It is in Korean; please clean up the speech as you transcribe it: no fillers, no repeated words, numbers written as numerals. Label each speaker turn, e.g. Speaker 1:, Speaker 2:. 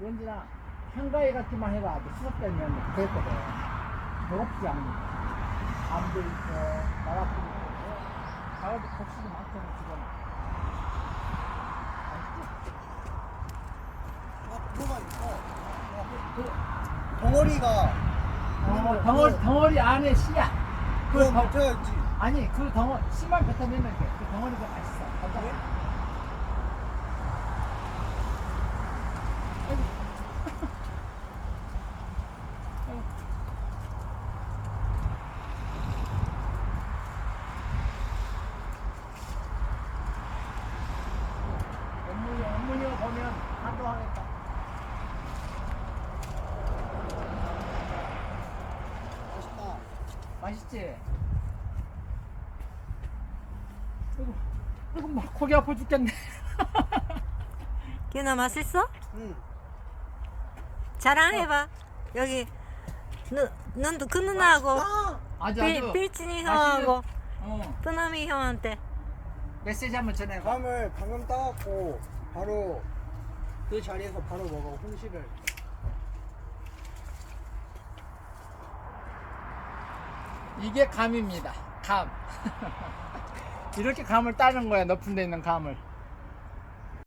Speaker 1: 왠지나 한가위 같기만 해도 아주 수석되면 그랬거든. 배고프지 않으니까. 암도 있고, 나락도 있고, 가을도 곡식이 많잖아, 지금.
Speaker 2: 뭐가 있어?
Speaker 1: 그,
Speaker 2: 덩어리가
Speaker 1: 덩어리 안에 씨야.
Speaker 2: 그거
Speaker 1: 덩-
Speaker 2: 뱉어야지.
Speaker 1: 아니, 그 덩어리, 씨만 뱉어내면 돼. 그 덩어리가 맛있어.
Speaker 2: 그래?
Speaker 1: 어머니 보면 감동하겠다.
Speaker 2: 맛있다.
Speaker 1: 맛있지? 아이고, 막 고기 아파 죽겠네.
Speaker 3: 기훈아 맛있어?
Speaker 2: 응.
Speaker 3: 자랑해봐. 여기 눈도 그 누나하고
Speaker 1: 아주 아주
Speaker 3: 빌진이 형하고
Speaker 1: 어,
Speaker 3: 뿌나미 형한테
Speaker 1: 메시지 한번 전해봐.
Speaker 2: 감을 방금 따갖고 바로 그 자리에서 바로 먹어. 홍시를.
Speaker 1: 이게 감입니다. 감. 이렇게 감을 따는 거야. 높은 데 있는 감을.